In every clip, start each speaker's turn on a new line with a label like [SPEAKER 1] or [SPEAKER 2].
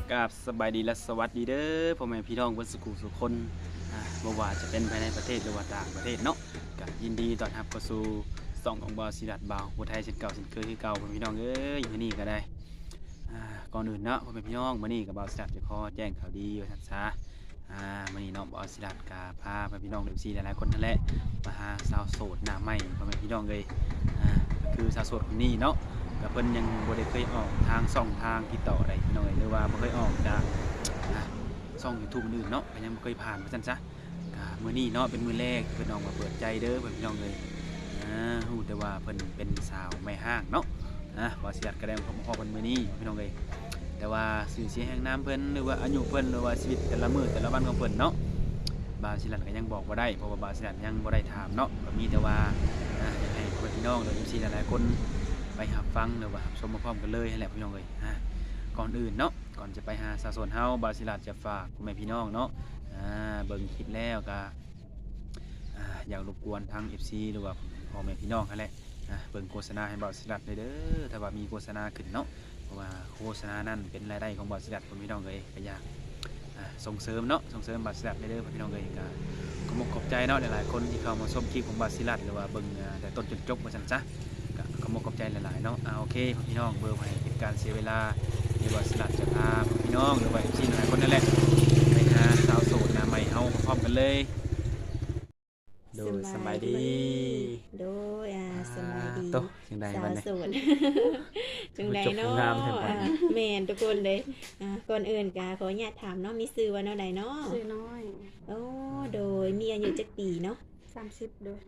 [SPEAKER 1] กับสบายดีและสวัสดีเด้อพ่อแม่พี่น้องเพิ่นสุขุสุขคนบ่ว่าจะเป็นภายในประเทศหรือว่าต่างประเทศเนาะก็ยินดีต้อนรับเข้าสู่ช่องของบ่าวศิรัตน์บ่าวผู้ไทยเช่นเก่าเช่นเคยคือเก่าพ่อแม่พี่น้องเอ้ยมื้อนี้ก็ได้ก่อนอื่นเนาะพ่อแม่พี่น้องมื้อนี้ก็บ่าวศิรัตน์จะขอแจ้งข่าวดีว่าซั่นซะมื้อนี้เนาะบ่าวศิรัตน์ก็พาพ่อแม่พี่น้อง FC หลายๆคนนั่นแหละมาหาสาวโสดหน้าใหม่พ่อแม่พี่น้องเอ้ยก็คือสาวโสดคนนี้เนาะ ก็เพิ่นยังบ่ได้เคยออกทางช่องทางติดต่อใดพี่น้องหรือว่าบ่เคยออกจากช่อง YouTube อื่นเนาะก็ยังบ่เคยผ่านว่าซั่นซะก็มื้อนี้เนาะเป็นมื้อแรกเพิ่นออกมาเปิดใจเด้อเพิ่นพี่น้องเอ้ยฮู้แต่ว่าเพิ่นเป็นสาวแม่ห้างเนาะบ่สิรัดก็ได้มาพบเพิ่นมื้อนี้พี่น้องเอ้ยแต่ว่าชื่อเสียงแห่งนามเพิ่นหรือว่าอายุเพิ่นหรือว่าชีวิตแต่ละมื้อแต่ละวันของเพิ่นเนาะบ่าวศิรัตก็ยังบอกบ่ได้เพราะว่าบ่าวศิรัตยังบ่ได้ถามเนาะก็มีแต่ว่าอยากให้พ่อแม่พี่น้องหรือ FC หลายๆคนไปรับฟังหรือว่ารับชมพร้อมๆกันเลยนั่นแหละพี่น้องเอ้ยก่อนอื่นเนาะก่อนจะไปหาสาวโสดเฮาบ่าวศิรัตจะฝากพ่อแม่พี่น้องเนาะเบิ่งคลิปแล้วก็อยากรบกวนทาง FC หรือว่าพ่อแม่พี่น้องนั่นแหละเบิ่งโฆษณาให้บ่าวศิรัตเด้อถ้าว่ามีโฆษณาขึ้นเนาะเพราะว่าโฆษณานั้นเป็นรายได้ของบ่าวศิรัตพ่อแม่พี่น้องเอ้ยก็อยากส่งเสริมเนาะส่งเสริมบ่าวศิรัตเด้อพ่อพี่น้องเอ้ยก็ขอบใจเนาะหลายๆคนที่เข้ามาชมคลิปของบ่าวศิรัตหรือว่าเบิ่งแต่ต้นจนจบว่าซั่นซะขอบใจหลายๆเนาะโอเคพี่น้องเบอร์ไว้เป็นการเสียเวลาหรือว่าสลัดจะพาพี่น้องหรือว่าพี่หลายคนนั่นแหละไปหาสาวโสดหน้าใหม่เฮาพร้อมกันเลยโดยสบายดี
[SPEAKER 2] โดยสบายดี
[SPEAKER 1] โตจังได๋บัดนี้
[SPEAKER 2] สาวโสดจังไดเนาะแม่นทุกคนเลยก่อนอื่นก็ขออนุญาตถามเนาะมีชื่อว่าแนวใดเนาะ
[SPEAKER 3] ชื่อน้อย
[SPEAKER 2] โอ้โดยมีอายุจักปีเนาะ
[SPEAKER 3] 30โดย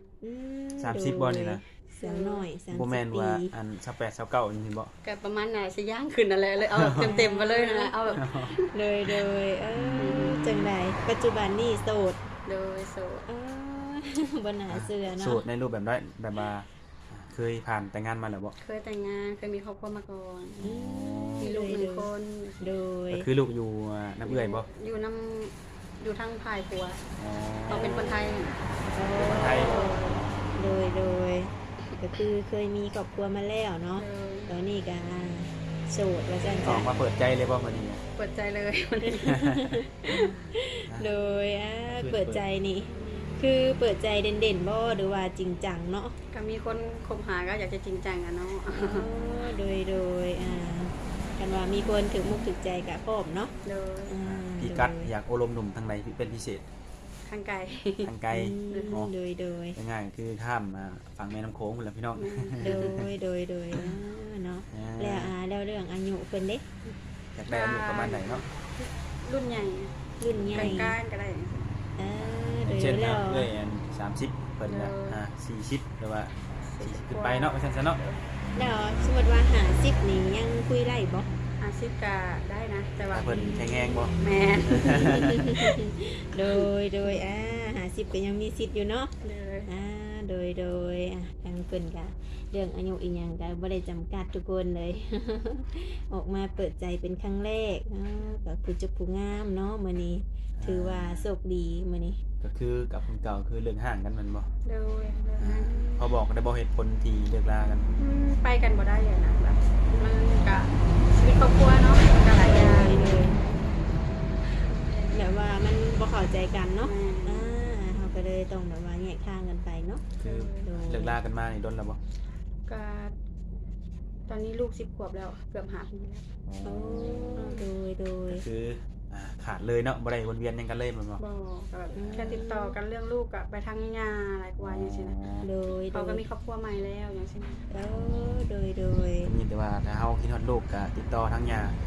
[SPEAKER 1] 30บ่นี่นะ
[SPEAKER 2] สาวน้อย30
[SPEAKER 1] บ่แม่นว่าอัน28 29นี่บ่
[SPEAKER 3] ก็ประมาณน่ะสิย่างขึ้นนั่นแหละเลยเอาเต็มๆไปเลยนั่นแหละเอาแบบ
[SPEAKER 2] เลยจังไดปัจจุบันนี้โสด
[SPEAKER 3] โดยโสด
[SPEAKER 2] บ่น่าเชื่อเนาะ
[SPEAKER 1] โสดในรูปแบบได้แบบว่าเคยผ่านแต่งงานมาแล้วบ่
[SPEAKER 3] เคยแต่งงานเคยมีครอบครัวมาก่อนมีลูก1คน
[SPEAKER 2] โดย
[SPEAKER 1] ก็คือลูกอยู่น้ำเอื้อยบ่
[SPEAKER 3] อยู่ทางภายผัวเราเป็นคนไทย
[SPEAKER 1] คนไทย
[SPEAKER 2] โดยก็คือเคยมีครอบครัวมาแล้วเนาะตอนนี้ก็โสดว่าซั่น
[SPEAKER 1] อ
[SPEAKER 2] จ้ะ
[SPEAKER 1] อกมาเปิดใจเลยบ่มื้อนี้
[SPEAKER 3] เปิดใจเลยวันนี้
[SPEAKER 2] โดยเปิดใจนี่คือเปิดใจเด่นๆบ่หรือว่าจริงจังเนาะ
[SPEAKER 3] ก็มีคนคบหาก็อยากจะจริงจังอะเนาะ
[SPEAKER 2] โดยกันว่ามีคนถึงมุกถึงใจกับพร้อมเนาะ
[SPEAKER 3] โดย
[SPEAKER 1] พี่กัดอยากโอลมหนุ่มทางใดเป็นพิเศษ
[SPEAKER 3] ทางไกล
[SPEAKER 2] โดย
[SPEAKER 1] ง่ายๆคือข้ามมาฝั่งแม่น้ำโขงพุ่นล่ะพี่น้อง
[SPEAKER 2] โดยเนาะแล้วเรื่องอายุเพิ่นเด้
[SPEAKER 1] อยากได้อายุประมาณไหนเนาะ
[SPEAKER 3] รุ่นใหญ่กลางๆก็ได้
[SPEAKER 1] เช่นแล้วเอ้ย30เพิ่นก็40หรือว่า40ขึ้นไปเนาะว่าซั่นซะเนาะ
[SPEAKER 2] แล้วสมมุติว่า50นี่ยังคุยได้บ่
[SPEAKER 3] 50ก็ได้นะแต่ว่า
[SPEAKER 1] เพิ่นแข็งแรงบ่
[SPEAKER 3] แม่น
[SPEAKER 2] โดย50ก็ยังมีสิทธิ์อยู่เนาะโดยทางเพิ่นก็เรื่องอายุอีหยังก็บ่ได้จำกัดทุกคนเลยออกมาเปิดใจเป็นครั้งแรกก็คือจุผู้งามเนาะมื้อนี้ถือว่าโชคดีมื้อนี้
[SPEAKER 1] ก็คือกับคนเก่าคือเรื่องห่างกันมันบ่
[SPEAKER 3] โดย
[SPEAKER 1] พอบอกได้บ่เหตุผลที่เลิกลากัน
[SPEAKER 3] ไปกันบ่ได้อย่างนะแบบมันก็ชีวิตครอบครัวเนาะก็หลายอย่าง
[SPEAKER 2] เลยแบบว่ามันบ่เข้าใจกันเนาะเฮาก็เลยต้องแบบว่าแยกทางกันไปเนาะ
[SPEAKER 1] คือเลิกลากันมานี่ดนแล้วบ่
[SPEAKER 3] ก็ตอนนี้ลูก10 ขวบแล้วเกือบ5 ปีแล้ว
[SPEAKER 2] โดย
[SPEAKER 1] คือขาดเลยเนาะบ่ได้วนเวียนยังกันเลยมันบ่
[SPEAKER 3] แบบแค่ติดต่อกันเรื่องลูกกับไปทางงานอะไรกว่าอย่างเช่นเขาก็มีครอบครัวใหม่แล้วอย่างเช่น
[SPEAKER 2] โดย
[SPEAKER 1] มีแต่ว่าถ้าเฮาคิดฮอดลูกก็ติดต่อทางญาติ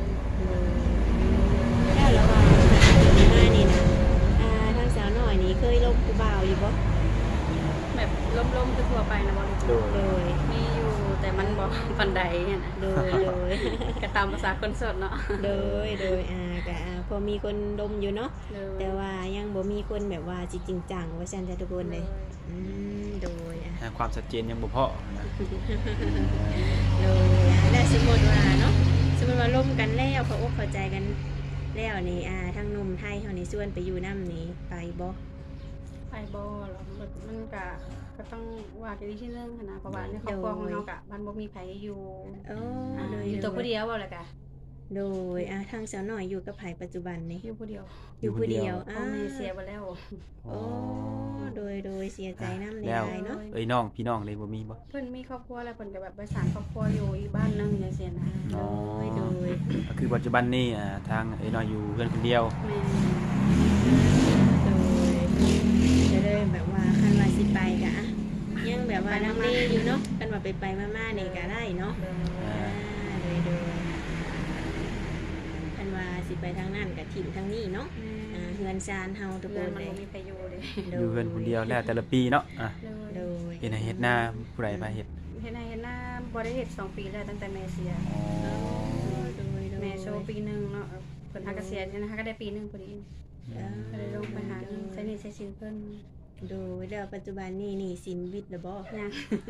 [SPEAKER 2] แล้วว่ามานี่นะทางสาวน้อยนี่เคยลบผู้บ่าวอยู่บ่
[SPEAKER 3] แบบล้มๆทั่วไปนะบ่
[SPEAKER 2] โดย
[SPEAKER 3] มีอยู่แต่มันบ่ปานใดเนี่ยนะ
[SPEAKER 2] โดย
[SPEAKER 3] ก็ตามภาษาคนโสดเนาะ
[SPEAKER 2] โดยก็พอมีคนดมอยู่เนาะแต่ว่ายังบ่มีคนแบบว่าจริงจังว่าซั่นจ้ะทุกคนเลยโดย
[SPEAKER 1] ความชัดเจนยังบ่พอนะ
[SPEAKER 2] โดยแล้วสมมุติว่าเนาะสมมุติว่าร่วมกันแล้วเขาอกเข้าใจกันแล้วนี่ทางหนุ่มไทยเฮานี่ชวนไปอยู่นำนี่ไปบ่
[SPEAKER 3] หรอกมันก็ต้องว่ากันอีกทีนึงนะเพราะว่าในครอบครัวของเฮาก็มันบ่มีไผอยู่อยู่ตัวผู้เดียวบ่ล่ะกะ
[SPEAKER 2] โดยทางสาวน้อยอยู่กับไผปัจจุบันนี่
[SPEAKER 3] อยู่ผู้เดียว
[SPEAKER 2] อยู่ผู้เดียว
[SPEAKER 3] พ่อแม่เสียไปแล้ว
[SPEAKER 2] โอ้โดยเสียใจนำใน
[SPEAKER 1] แล้ว
[SPEAKER 2] ยายเนาะ
[SPEAKER 1] เอ้ยน้องพี่น้องเลยบ่มีบ่
[SPEAKER 3] เพิ่นมีครอบครัวแล้วเพิ่นก็แบบไปสร้างครอบครัวอยู่อีกบ้านหนึงจังซี่นะ
[SPEAKER 1] อ๋อ
[SPEAKER 2] โดย
[SPEAKER 1] ก็คือปัจจุบันนี้ทางเอ้ยน้อยอยู่เพื่อนคนเดียว
[SPEAKER 3] แม่
[SPEAKER 2] จะได้แบบว่าคันว่าสิไปกะยังแบบว่าลังเลอยู่เนาะคันว่าไปมาๆนี่ก็ได้เนาะโดยคันว่าสิไปทางนั้นก็ถิ่มทางนี้เนาะเฮือนซานเฮาทุกค
[SPEAKER 3] เพื่อน
[SPEAKER 2] น
[SPEAKER 3] มัน
[SPEAKER 2] เลย
[SPEAKER 3] บ่มีใครอยู่เลย
[SPEAKER 1] อยู่เพื่อนคนเดียวแล้วแต่ละปีเนาะ
[SPEAKER 2] โด
[SPEAKER 3] เลย
[SPEAKER 2] ย
[SPEAKER 1] เฮ็ดให้เฮ็ดหน้าผู้ใดพาเฮ็ด
[SPEAKER 3] เฮ็ดหน้าบ่ได้เฮ็ด2ปีแล้วตั้งแต่แม่เสีย
[SPEAKER 1] อ๋อ
[SPEAKER 3] แม่โชว์ปีหนึงเนาะเพิ่นหาเกษียณนะคะก็ได้ปีหนึงพอดีก็เลยลงไปหาเงินใช้หนี้ใช้สินเพิ่น
[SPEAKER 2] โดยแล้วปัจจุบันนี่หนี่สินวิทย์แล้วบ่
[SPEAKER 3] ยัง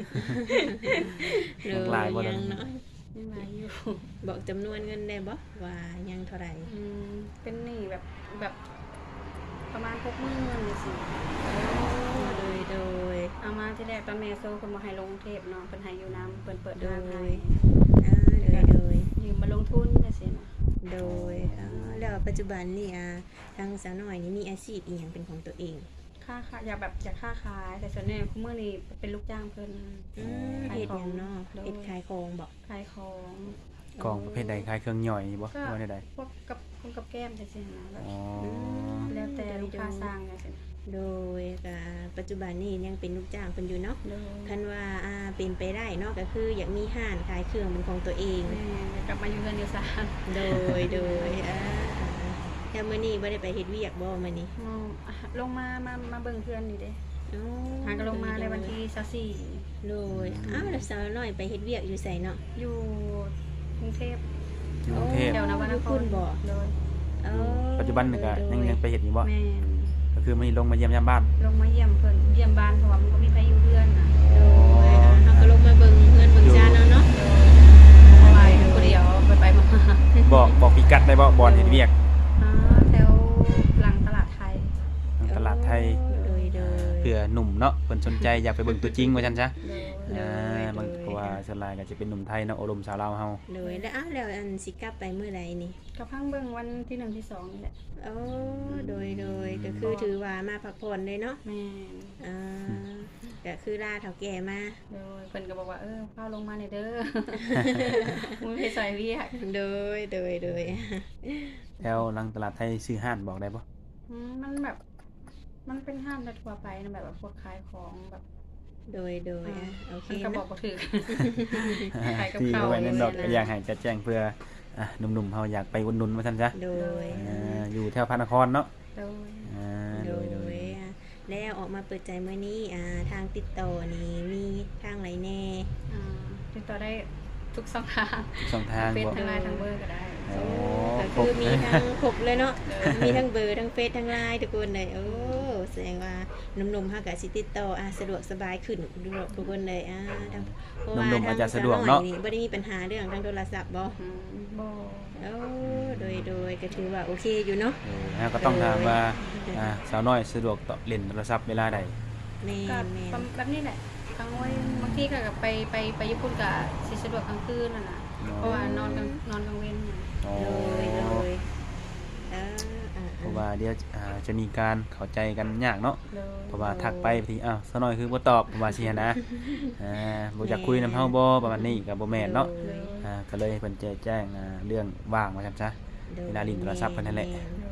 [SPEAKER 1] ยังหลายบ่ล่ะ
[SPEAKER 2] ยังเนาะ
[SPEAKER 3] ยังหลายอยู่
[SPEAKER 2] บอกจำนวนเงินได้บ่ว่ายังเท่าไหร่
[SPEAKER 3] เป็นหนี้แบบประมาณ60,000จังซี่
[SPEAKER 2] โดย
[SPEAKER 3] เอามาที่แรกตอนแม่โซเพิ่นบ่ให้ลงกรุงเทพเนาะเพิ่นให้อยู่น้ำเพิ่นเปิด
[SPEAKER 2] โด
[SPEAKER 3] ร้านให้
[SPEAKER 2] ยโดย
[SPEAKER 3] ยืมมาลงทุนจังซี่นะ
[SPEAKER 2] โดยแล้วปัจจุบันนี่ทางสาวน้อยนี่มีอาชีพอีหยังเป็นของตัวเอง
[SPEAKER 3] อยากค้าขายแต่ส่วนใหญ่คุมื้อนี้เป็นลูกจ้างเพิ่น
[SPEAKER 2] เฮ็ดหยังเนาะเฮ็ดขายของบ่
[SPEAKER 3] ขายของ
[SPEAKER 1] กองประเภทใดขายเครื่องย่อยบ่
[SPEAKER 3] ก็
[SPEAKER 1] ว่าใด
[SPEAKER 3] พวกกับแก้มจังซี่นะแบบ
[SPEAKER 1] ๆอ๋อ
[SPEAKER 3] แล้วแต่ลูกค้าสร้างจังซี่นะ
[SPEAKER 2] โดยปัจจุบันนี่ยังเป็นลูกจ้างเพิ่นอยู่เนาะ
[SPEAKER 3] โดย
[SPEAKER 2] คันว่าเป็นไปได้เนาะก็คืออยากมีห้านขายเครื่องเป็นของตัวเอง
[SPEAKER 3] แม่อยากกลับมาอยู่เรือนอยู่ศาล
[SPEAKER 2] โดยแล้วมื้อนี้บ่ได้ไปเฮ็ดเวียกบ่มื้อนี้
[SPEAKER 3] ลงมาเบิ่งเพื่อนนี่เด้หาก็ลงมาในวันที่24
[SPEAKER 2] โดยแล้วสาวน้อยไปเฮ็ดเวียกอยู่ไสเนาะ
[SPEAKER 3] อยู่กรุงเทพ
[SPEAKER 1] อยู่กรุงเทพ
[SPEAKER 3] เดี๋ยวนวนครโดย
[SPEAKER 1] ปัจจุบันนี่ก็ยังไปเฮ็ดอยู่บ่
[SPEAKER 3] แม่น
[SPEAKER 1] ก็คือมื้อนี้ลงมาเยี่ยมยามบ้าน
[SPEAKER 3] ลงมาเยี่ยมเพิ่นเยี่ยมบ้านเพราะว่ามันก็มีใครอยู่เรือนน่ะ
[SPEAKER 2] โดยเฮาก็ลงมาเบิ่งเฮือนเบิ่งชาติเนาะ
[SPEAKER 3] เพราะว่าอยู่คนเดียวไปมา
[SPEAKER 1] บอกพิกัดได้บ่บ่อนเฮ็ดเวียก
[SPEAKER 3] แถวหลังตลาดไทย
[SPEAKER 1] ทางตลาดไทย
[SPEAKER 2] โดย
[SPEAKER 1] เพื่อหนุ่มเนาะเพิ่นสนใจอยากไปเบิ่งตัวจริงว่าซั่นซะ
[SPEAKER 3] โดย
[SPEAKER 1] บางเพราะว่าส่วนหลายก็จะเป็นหนุ่มไทยเนาะอบรมสาวลาวเฮา
[SPEAKER 2] โดยแล้วอันสิกลับไปมื้อใดนี่
[SPEAKER 3] ก็พังเบิ่งวันที่1ที่2นี่แหละ
[SPEAKER 2] โดยก็คือถือว่ามาพักผ่อนเลยเนาะ
[SPEAKER 3] แม่น
[SPEAKER 2] ก็คือลาเฒ่าแก่มา
[SPEAKER 3] โดยเพิ่นก็บอกว่าพาลงมาหน่อยเด้อ มึงไปใส่เวียก
[SPEAKER 2] โดย
[SPEAKER 1] แล้วหลังตลาดไทยซื้อห้านบอกได้บ่
[SPEAKER 3] มันแบบมันเป็นห้างทั่วไปนะแบบพวกขายของแบบ
[SPEAKER 2] โดยโอเค
[SPEAKER 3] มันก็บอกบ่ถูก ขายกับ
[SPEAKER 1] ที่
[SPEAKER 3] ข้าว
[SPEAKER 1] ไว้นั่นดอก
[SPEAKER 3] เลยนะ
[SPEAKER 1] ก็อยากให้จะแจ้งเพื่อหนุ่มๆเฮาอยากไปอุดหนุนว่าซั่นซะ
[SPEAKER 2] โดย
[SPEAKER 1] อยู่แถวพระนครเนาะ
[SPEAKER 3] โดย
[SPEAKER 1] โดย
[SPEAKER 2] แล้วออกมาเปิดใจมื้อนี้ทางติดต่อนี่มีทางไหนแน่
[SPEAKER 3] ติดต่อได้ทุกช่องทาง
[SPEAKER 1] ช่องทาง
[SPEAKER 3] เฟซ
[SPEAKER 1] บ่
[SPEAKER 3] ทางไลน์ทางเบอร์ก็ได้
[SPEAKER 1] โอ้
[SPEAKER 2] ก็
[SPEAKER 1] ครบ
[SPEAKER 2] คือมีทั้งครบเลยเนาะมีทั้งเบอร์ทั้งเฟซทั้งไลน์ทุกคนเลยแสดงว่าหนุ่มๆเฮาก็สิติดต่อสะดวกสบายขึ้นทุกคนเลยเพราะว่า
[SPEAKER 1] หนุ่มๆอาจจะสะดวก
[SPEAKER 2] ท
[SPEAKER 1] เนาะ
[SPEAKER 2] งนี่บ่ได้มีปัญหาเรื่องทางโทรศัพท์บ่
[SPEAKER 3] บ่
[SPEAKER 2] โดยก็ถือว่าโอเคอยู่เนาะ
[SPEAKER 1] ก็ต้องถามว่าสาวน้อยสะดวกต่อเล่นโทรศัพท์เวลาใด
[SPEAKER 2] แม่
[SPEAKER 3] ก็
[SPEAKER 2] แม่
[SPEAKER 3] แบบนี้แหละกลางวันบางทีก็ไปญี่ปุ่นก็สิสะดวกกลางคืนน่ะนะเพราะว่านอนกลางเว้นน่ะ
[SPEAKER 1] อ๋อ
[SPEAKER 2] โดย
[SPEAKER 1] เพราะว่าเดี๋ยวจะมีการเข้าใจกันยากเนาะ
[SPEAKER 3] โดย
[SPEAKER 1] เพราะว่าทักไปบางทีสาวน้อยคือบ่ตอบประมาณสินะบ่อยากคุยนำเฮาบ่ประมาณนี้ก็บ่แม่นเนาะก็เลยเพิ่นแจ้งเรื่องว่างว่าซั่นซะเวลาลิ้นโทรศัพท์เพิ่นนั่นแหละ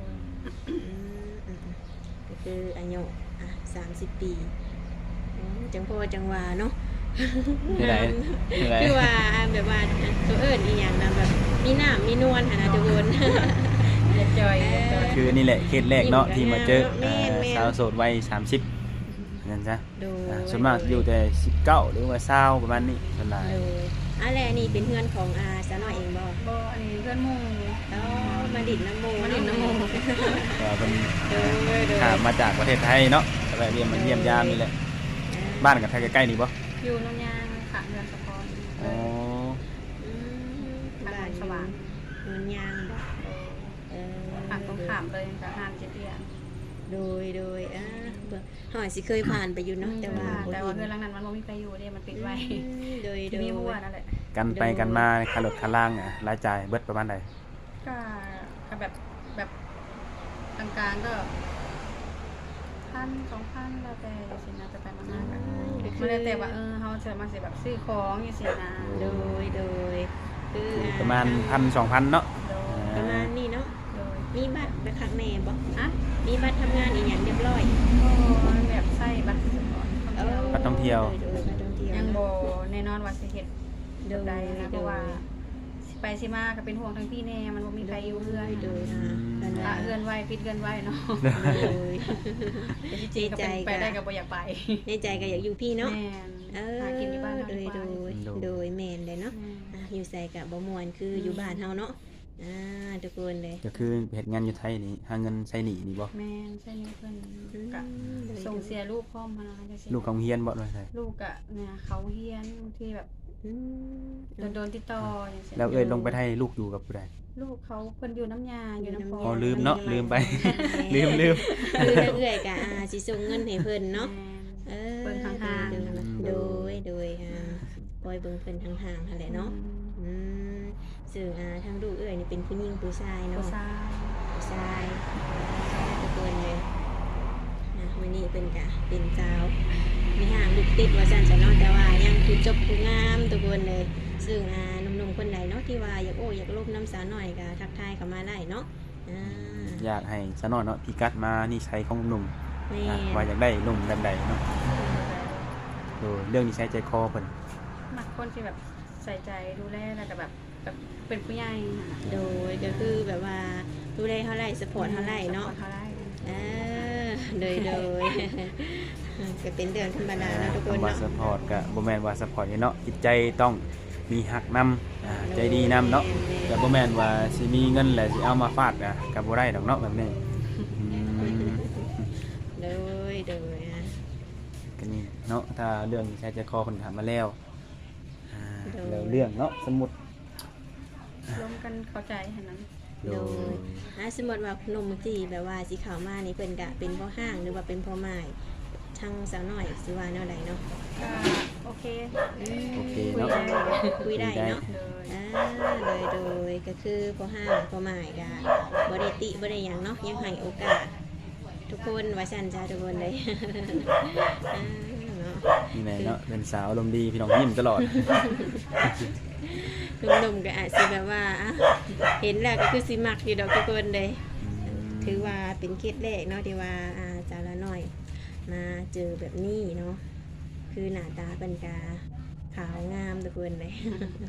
[SPEAKER 2] ก็คืออายุ30 ปีจังพ่อจังว่าเนาะ
[SPEAKER 1] นี่ไหน
[SPEAKER 2] คือว่าแบบว่าตัวเอิ้นอีหยังนะแบบมีน้ำมีนวลหั่นนะทุกคน
[SPEAKER 3] อย่าจอย
[SPEAKER 1] คือนี่แหละเคสแรกเนาะที่มาเจอ
[SPEAKER 2] แม่น
[SPEAKER 1] สาวโสดวัย30นั่นซะ
[SPEAKER 2] โดย
[SPEAKER 1] ส่วนมากอยู่แต่19หรือว่า20ประมาณนี้ส่วนหลาย
[SPEAKER 2] โดยแล้วอันนี้เป็นเพื่อนของสาวน้อยเองบ่
[SPEAKER 3] บ่อันนี้เพื่อนหมู่
[SPEAKER 2] มาดิดน้ำโม
[SPEAKER 3] มาดิดน้ำหมู่
[SPEAKER 1] ว่าเพิ่น
[SPEAKER 2] โดย
[SPEAKER 1] ข้ามมาจากประเทศไทยเนาะก็แวะเวียนมาเยี่ยมยามนี่แหละบ้านกับไทยใกล้ๆนี่บ่
[SPEAKER 3] อยู่นนยางค่ะเรือนสะพร
[SPEAKER 1] อ๋อ
[SPEAKER 3] ทางสว่าง
[SPEAKER 2] เงินยางบ่
[SPEAKER 3] ทางตรงข้ามเลยกับห้างเจเตียน
[SPEAKER 2] โดยหอยสิเคยผ่านไปอยู่เนาะแต่ว่า
[SPEAKER 3] เรือนหลังนั้นมันบ่มีใครอยู่เด้มันปิดไว้
[SPEAKER 2] โดย
[SPEAKER 3] มีหัวนั่นแหละ
[SPEAKER 1] กันไปกันมาค่ารถค่าล่างรายจ่ายเบิดประมาณใด
[SPEAKER 3] ก็แบบกลางๆก็1,000-2,000แล้วแต่สินะไปๆมาๆกันมันแล้วแต่ว่าเฮาจะมาสิแบบซื้อของจังซี่นะ
[SPEAKER 2] โดยคือ
[SPEAKER 1] ประมาณ 1,000-2,000 เนาะ
[SPEAKER 3] โดย
[SPEAKER 2] ประมาณนี้เนาะ
[SPEAKER 3] โดย
[SPEAKER 2] มีบัตรไปคักแน่บ่
[SPEAKER 3] อะ
[SPEAKER 2] มีบัตรทำงานอีหยังเรียบร้อย
[SPEAKER 3] ก็แบบใช้บัตรสปอร์ต
[SPEAKER 1] บัตรท่องเที่ยว
[SPEAKER 2] โดยบัตรท่องเที่ยว
[SPEAKER 3] ยังบ่แน่นอนว่าสิเฮ็ด
[SPEAKER 2] โด
[SPEAKER 3] แบบ
[SPEAKER 2] ย
[SPEAKER 3] ใดนะเพราะว่าสิไปสิมาก็เป็นห่วงทั้งพี่แน่มันบ่มีใครอยู่เฮือน
[SPEAKER 2] โดยนะ
[SPEAKER 3] ละเฮือนไว้ปิดเฮือนไว้เนาะ
[SPEAKER 2] โดย
[SPEAKER 3] แต่ที่จริงก็เป็นไปได้ก็บ่อยากไป
[SPEAKER 2] ในใจก็อยากอยู่พี่เนาะ
[SPEAKER 3] แม่นหากินอยู่บ้านเฮา
[SPEAKER 2] โด
[SPEAKER 3] ดี
[SPEAKER 2] ย
[SPEAKER 3] กว่า
[SPEAKER 2] โดยแม่นเลยเนาะอยู่ใส่กับบ่ม่วนคืออยู่บ้านเฮาเนาะทุกคนเลย
[SPEAKER 1] ก็คือเฮ็ดงานอยู่ไทยนี่หาเงินใช้หนี้นี่บ่
[SPEAKER 3] แม่นใช่นี่เพิ่นก็ส่งเสียลูกพร้อมพาจังซี่
[SPEAKER 1] ลูกของเฮียนบ่ด้วยใช่
[SPEAKER 3] ลูกอะเนี่ยเขาเฮียนบางทีแบบโดนติดต่ออย่างเงี้ย
[SPEAKER 1] แล้วลงไปไทยลูกอยู่กับผู้ใด
[SPEAKER 3] ลูกเขาเพิ่นอยู่น้ำยาอยู่น้ำพ
[SPEAKER 1] อ๋อลืมเนาะลืมไป ลื ม
[SPEAKER 2] คือถ้าเอื้อยก็สิส่งเงินให้เพิ่นเนาะ
[SPEAKER 3] เบิ่งห่างๆ
[SPEAKER 2] โดยปล่อยเบิ่งเพิ่นห่างๆหั่นแหละเนาะซึ่งทางลูกเอื้อยนี่เป็นผู้หญิงผู้ชายเนาะ
[SPEAKER 3] ผู้ชาย
[SPEAKER 2] ผู้ชายทุกคนเลยวันนี้เป็นกะเป็นสาวมีห่างลูกติดว่าซั่นจะเนาะแต่ว่ายังคือจบผู้งามทุกคนเลยซึ่งหนุ่มๆคนใดเนาะที่ว่าอยากลบน้ำสาวหน่อยก็ทักทายเข้ามาได้เนาะ
[SPEAKER 1] อยากให้ซะหน่อยเนาะพิกัดมานิสัยของหนุ่ม
[SPEAKER 2] แม่
[SPEAKER 1] ว่าอยากได้หนุ่มแบบใดเนาะโดยเรื่องนิสัยใจคอเพิ่น
[SPEAKER 3] มักคนที่แบบใส่ใจดูแลแล้วก็แบบเป็นผู้ใหญ่ค่ะ
[SPEAKER 2] โดยก็คือแบบว่าดูแลเท่าไรสปอร์ตเท่าไรเนาะ
[SPEAKER 3] สปอร์ตเท่าไร
[SPEAKER 2] โดย ก็เป็นเรื่องธรรมดาเนาะทุกคน
[SPEAKER 1] ว่า
[SPEAKER 2] เนาะ
[SPEAKER 1] ซัพพอร์ตก็บ่แม่นว่าซัพพอร์ตเนาะจิตใจต้องมีฮักนำใจดีนำเนาะแต่บ่แม่นว่าสิมีเงินแล้วสิเอามาฟาดก็บ่ได้ดอกเนาะแบบนี้
[SPEAKER 2] โดย
[SPEAKER 1] ก็นี่เนาะถ้าเรื่องนิสัยใจคอเพิ่นถามมาแล้วแล้วเรื่องเนาะสมมุติ
[SPEAKER 3] ร่วมกันเข้าใจเท่านั้น
[SPEAKER 1] โดย
[SPEAKER 2] สมมติว่าหนุ่มที่แบบว่าสิเข้ามานี่เพิ่นก็เป็นพ่อห้างหรือว่าเป็นพ่อไม้ทางสาวน้อยสิว่าแนวใดเนาะ
[SPEAKER 3] ก็โอเค
[SPEAKER 1] โอเค
[SPEAKER 3] คุย
[SPEAKER 1] เนาะ
[SPEAKER 3] ได้
[SPEAKER 2] คุยได้เนาะ
[SPEAKER 3] เลย
[SPEAKER 2] โดยก็คือพ่อห้างพ่อไม้ก็บ่ได้ติบ่ได้หยังเนาะยังให้โอกาสทุกคนว่าซั่นจ้าทุกคนเลยเนาะ
[SPEAKER 1] นี่แหละเนาะเป็นสาวอารมณ์ดีพี่น้องยิ้มตลอด
[SPEAKER 2] หนุ่มๆก็อาจสิแบบว่าเห็นแล้วก็คือสิมักอยู่ดอกทุกคนเลยถือว่าเป็นเคสแรกเนาะที่ว่าจาละน้อยมาเจอแบบนี้เนาะคือหน้าตาเป็นกาขาวงามทุกคนเลย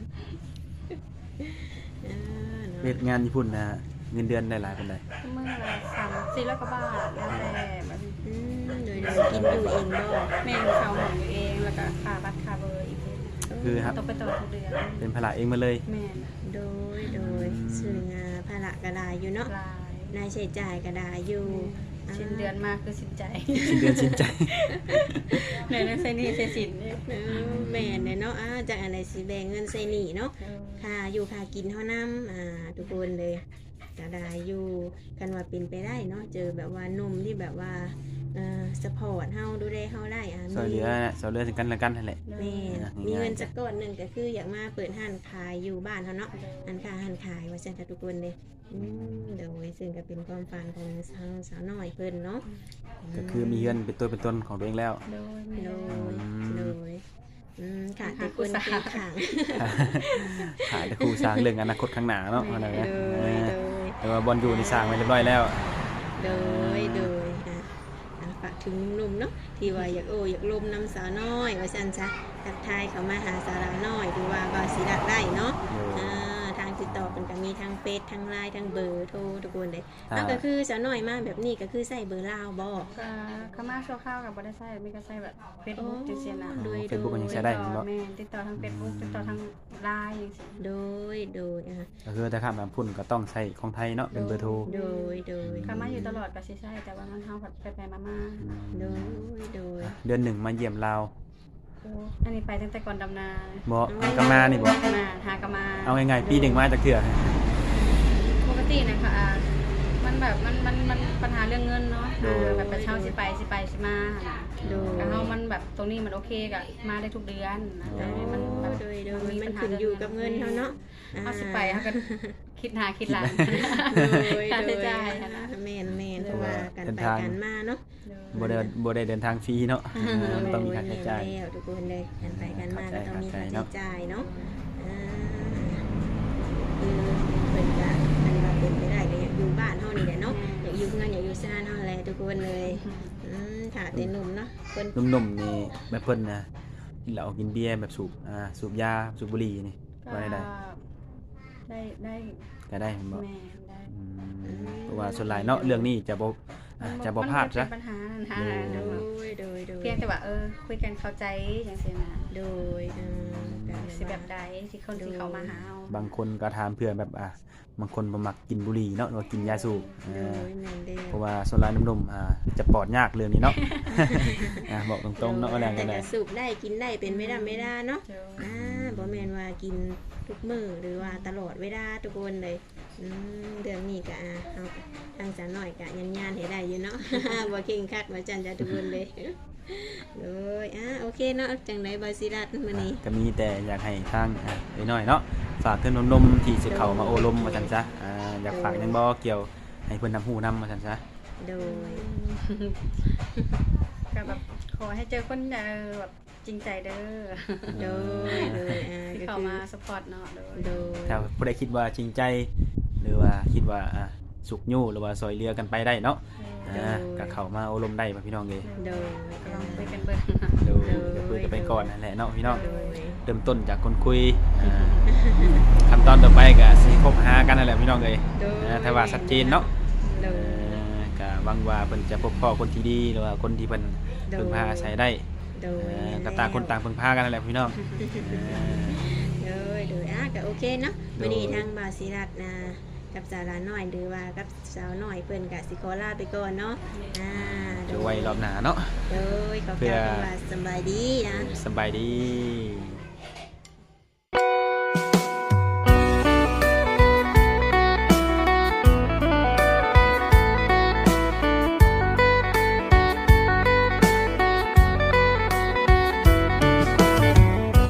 [SPEAKER 2] เนาะ
[SPEAKER 1] เฮ็ดงานญี่ปุ่นนะเงินเดือนได้หลายปานใด
[SPEAKER 3] เมื่อ300-400 กว่าบาทแล้วแต่แบบ
[SPEAKER 2] โดยกินอยู่เองบ่
[SPEAKER 3] แม่เขาหมองอยู่เองแล้วก็ค่าบัตรค่าเบอร์อีก
[SPEAKER 1] คือครับ
[SPEAKER 3] ต้องไปต่อทุกเดือน
[SPEAKER 1] เป็นภาระเองมาเลย
[SPEAKER 3] แม่น
[SPEAKER 2] โดยซึ่งภาระก็ได้อยู่เนาะ
[SPEAKER 3] ลาย
[SPEAKER 2] รายใช้จ่ายก็ได้อยู่
[SPEAKER 3] สิ้นเดือนมาคือสิ้นใจ
[SPEAKER 1] สิ้นเดือนสิ้นใจ
[SPEAKER 3] ในนั้นใส่หนี่ใส่สินเนี่ย
[SPEAKER 2] แม่นเลยเนาะจากอะไรสิแบ่งเงินใส่หนี้เนาะ ค่าอยู่ค่ากินเท่าน้ำทุกคนเลยก็ได้อยู่กันว่าเป็นไปได้เนาะเจอแบบว่าหนุ่มที่แบบว่าสปอร์ตเฮาดูแลเฮาได้
[SPEAKER 1] ซอยเหลือนะซอยเหลือถึงกันและกันนั่นแหละ
[SPEAKER 2] แม่มีเงินสักก้อนหนึ่งก็คืออยากมาเปิดห้านขายอยู่บ้านเฮาเนาะห้านค้าห้านขายว่าซั่นค่ะทุกคนเลยเดี๋ยวซึ่งก็เป็นความฝันของสาวน้อยเพิ่นเนาะ
[SPEAKER 1] ก็คือมีเงินเป็นตัวเป็นตนของตัวเองแล้ว
[SPEAKER 3] โดย
[SPEAKER 2] โดยค่ะทุกคนเป็นขัง
[SPEAKER 1] ขายแต่ครูสร้างเรื่องอนาคตข้างหน้าเนาะอะไรนะ
[SPEAKER 2] โดย
[SPEAKER 1] แต่ว่าบอลอยู่ในสร้างไว้เรียบร้อยแล้ว
[SPEAKER 2] โดยฝากถึงหนุ่มๆเนาะที่ว่าอยากลมน้ำสาวน้อยว่าซั่นซะทักทายเขามาหาสาวน้อยดูว่าบ่สิรักได้เนาะทางติดต่อเป็นก็มีทางเฟซทางไลน์ทางเบอร์โทรทุกคนเลยก็คือสาวน้อยมาแบบนี้ก็คือใส่เบอร์ลาวบ่
[SPEAKER 3] ก็เขามาชั่วคราวกับบ่ได้ใช้ไม่ก็ใช้แบบ Facebook จังซี่นะ
[SPEAKER 1] เฟซบุ๊กมันยังใช้ได้เนาะ
[SPEAKER 3] แม่ติดต่อทาง Facebook ติดต่อทาง LINE จังซี่
[SPEAKER 2] โดย
[SPEAKER 1] ก็คือแต่ข้ามน้ำพุ่นก็ต้องใช้ของไทยเนาะเป็นเบอร์โทร
[SPEAKER 2] โดย
[SPEAKER 3] เขามาอยู่ตลอดก็สิใช้แต่ว่ามันเฮาแบบไปๆมา
[SPEAKER 2] โดย
[SPEAKER 1] เดือนหนึ่งมาเยี่ยมเรา
[SPEAKER 3] ๆโอ้อันนี้ไปตั้งแต่ก่อนดำนา
[SPEAKER 1] บ่ก็มานี่บ่
[SPEAKER 3] มาหากะมา
[SPEAKER 1] เอาง่ายๆปีหนึ่งมาจากเถื่อ
[SPEAKER 3] ปกตินะคะมันแบบมันปัญหาเรื่องเงินเนาะแบบประเช่าสิไปสิมา
[SPEAKER 2] โดย
[SPEAKER 3] แต่เฮามันแบบตรงนี้มันโอเคก็มาได้ทุกเดือนแต่มันแบบ
[SPEAKER 2] มันขึ้นอยู่กับเงินเฮาเนาะ
[SPEAKER 3] เฮาสิไปเฮาก็คิดหน้าคิดหลัง
[SPEAKER 2] โดย
[SPEAKER 3] ค่า
[SPEAKER 2] โด
[SPEAKER 3] ใช้
[SPEAKER 2] ย
[SPEAKER 3] จ่ายหั้นนะ
[SPEAKER 2] แม่นเพราะว่ากันไปกันมาเนาะ
[SPEAKER 1] บ่ได้เดินทางฟรีเนาะต้องมีค่าใช้จ่าย
[SPEAKER 2] แล้วทุกคนเลยกันไปกันมาก็ต้องมีค่าใช้จ่ายเนาะเป็นการอันว่าเป็นไปได้ก็อยากอยู่บ้านเฮานี่แหละเนาะอยากอยู่เพื่อนอยากอยู่ซ่านเฮาแหละทุกคนเลยถ้าเป็นหนุ่มเนาะคน
[SPEAKER 1] หนุ่มๆนี่แบบเพิ่นนะกินเหล้ากินเบียร์แบบสูบยาสูบบุหรี่นี่ว่าได้
[SPEAKER 3] ได้
[SPEAKER 1] ก็ได้เห็นบ่
[SPEAKER 3] แม่ได้
[SPEAKER 1] เพราะว่าส่วนหลายเนาะเรื่องนี้จะบ่พลาดซะ
[SPEAKER 3] มันเป็นปัญหานั่นฮะ
[SPEAKER 2] โดย
[SPEAKER 3] เพียงแต่ว่าคุยกันเข้าใจจังซี่นะ
[SPEAKER 2] โดย
[SPEAKER 3] สิแบบใดที่คนที่เขามาหาเอา
[SPEAKER 1] บางคนก็ถามเพื่อแบบบางคนบ่มักกินบุหรี่เนาะหรือว่ากินยาสูบ
[SPEAKER 2] โดยแม่นเด้
[SPEAKER 1] เพราะว่าส่วนหลายหนุ่มๆจะปลอดยากเรื่องนี้เนาะ บอกตรงๆเนาะว่าแรง
[SPEAKER 2] แต่
[SPEAKER 1] กันได้
[SPEAKER 2] ก็สูบได้กินได้เป็นไม่ได้เนาะ
[SPEAKER 3] เจ้า
[SPEAKER 2] บ่แม่นว่ากินทุกมื้อหรือว่าตลอดเวลาทุกคนเลยเรื่องนี้ก็เอาทางสาวน้อยก็ยันๆให้ได้อยู่เนาะ บ่เข่งคักว่าจันจะทุกคนเลยเลยโอเคเนาะจังได๋บ่สิรัดมื้อนี้
[SPEAKER 1] ก็มีแต่อยากให้ทางไอ้น้อยเนาะฝากถึงหนุ่มๆที่สิเข้ามาโอลมว่าซั่นซะอยากฝากหยังบ่เกี่ยวให้เพิ่นฮู้นำว่าซั่นซะ
[SPEAKER 2] โดย
[SPEAKER 3] ก็แบบขอให้เจอคนแบบจริงใจเด้อ
[SPEAKER 2] โดย
[SPEAKER 3] ที่เขา
[SPEAKER 2] ก็คือ
[SPEAKER 3] มาสปอร์ตเนาะโดย
[SPEAKER 2] โดย
[SPEAKER 1] ถ้าผู้ใดคิดว่าจริงใจ หรือว่าคิดว่าสุขยู่หรือว่าซอยเรือกันไปได้เนาะก็เข้ามาโอลมได้ป่ะพี่น้องเอ้ย
[SPEAKER 2] โดย
[SPEAKER 3] ก็ลองคุยกันเบิ่ง
[SPEAKER 1] เดี๋ยวคุยกันไปก่อนนั่นแหละเนาะพี่น้อง
[SPEAKER 2] โดย
[SPEAKER 1] เริ่มต้นจากคนคุยขั้นตอนต่อไปก็สิคบหากันนั่นแหละพี่น้องเอ้ยถ้าว่าชัดเจนเนาะ
[SPEAKER 2] โดย
[SPEAKER 1] ก็หวังว่าเพิ่นจะพบพ่อคนที่ดีหรือว่าคนที่เพิ่นพึ่งพาอาศัยได้
[SPEAKER 2] โดย
[SPEAKER 1] ก็ต่างคนต่างพึ่งพากันนั่นแหละพี่น้อง
[SPEAKER 2] โดยก็โอเคเนาะวันนี้ทางบาสิรัตนะกับสาวลาน้อยหรือว่ากับสาวน้อยเพิ่นก็สิขอลาไปก่อนเนาะ
[SPEAKER 1] เดี๋ยวไว้รอบหน้าเนาะ
[SPEAKER 2] โดยขอบคุณว่าสบายดีนะ
[SPEAKER 1] สบายดี